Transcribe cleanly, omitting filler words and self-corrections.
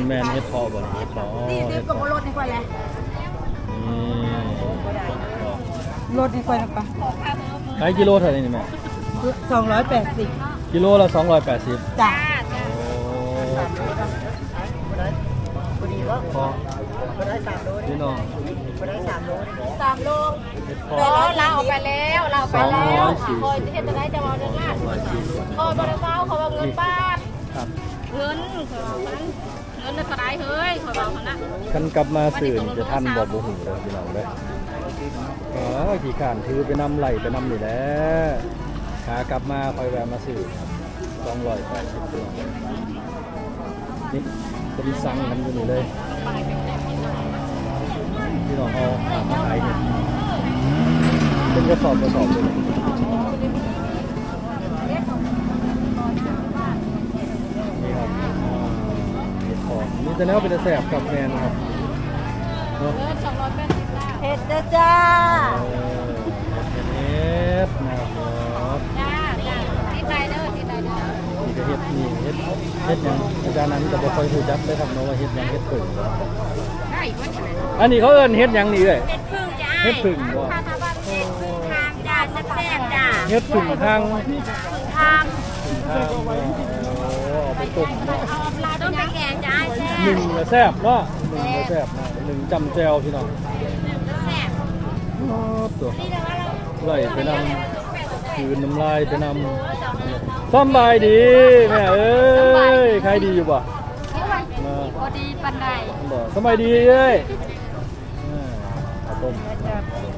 แมนเฮ็ดพอบ่เฮ็ดพอ 40กับรถนี่ค่อยแหละนี่รถนี่ค่อยนะปะขายกิโลเท่าไหร่นี่แม่ 280 กิโลละ280 จ้ะพอพี่น้อง 3 โลเฮ็ดพอเราเอาไปแล้วเราเอาไปแล้วคอยที่จะได้จะเอาเงินล้านคอยบริษัทเขาเอาเงินบ้านครับเงินเงินจะได้เฮ้ยคอยบอกเขานะกันกลับมาสื่นจะท่านบ่บ่หูเลยพี่น้องเด้อขี่ขานถือไปนำไหลไปนำนี่แหละขากลับมาคอยแวะมาสื่อ280พี่น้องนี่เป็นสั่งกันอยู่นี่เลยพี่น้องเอามาขายเนี่ยเป็นกระสอบเลยนี่ครับเห็ดของนี่จะแนวเป็นแสบกับแมนครับเนาะเงิน280ล้านเฮ็ดจ้าเห็ดนะครับจ้าที่ใดเด้อที่ใดเด้อนี่ก็เห็ดนี่เห็ดหยังอาจารย์นั้นจะบ่ค่อยรู้จักเลยครับเนาะว่าเห็ดหยังเห็ดผึ่งได้วันนี้อันนี้เขาเอิ้นเห็ดหยังนี่เลยเฮ็ดพึ่งจ้าเห็ดผึ่งบ่ถ้าทางเฮ็ดพึ่งทางจ้าแซ่บๆจ้าเห็ดผึ่งทางพึ่งทางเอาไปต้มเนาะเอาปลาต้มไปแกงจ้าแซ่หนึ่งบก็แซ่บเนาะหนึ่งก็แซ่บนะหนึ่งจำแจวพี่น้องแซ่บตัวนี่แต่ว่าเราไหลไปนำคืนน้ำลายไปนำสำบายดีแม่เอ้ยใครดีอยู่บ่มาพอดีปันใดบ่สบายดีเอ้ยข้าวต้ม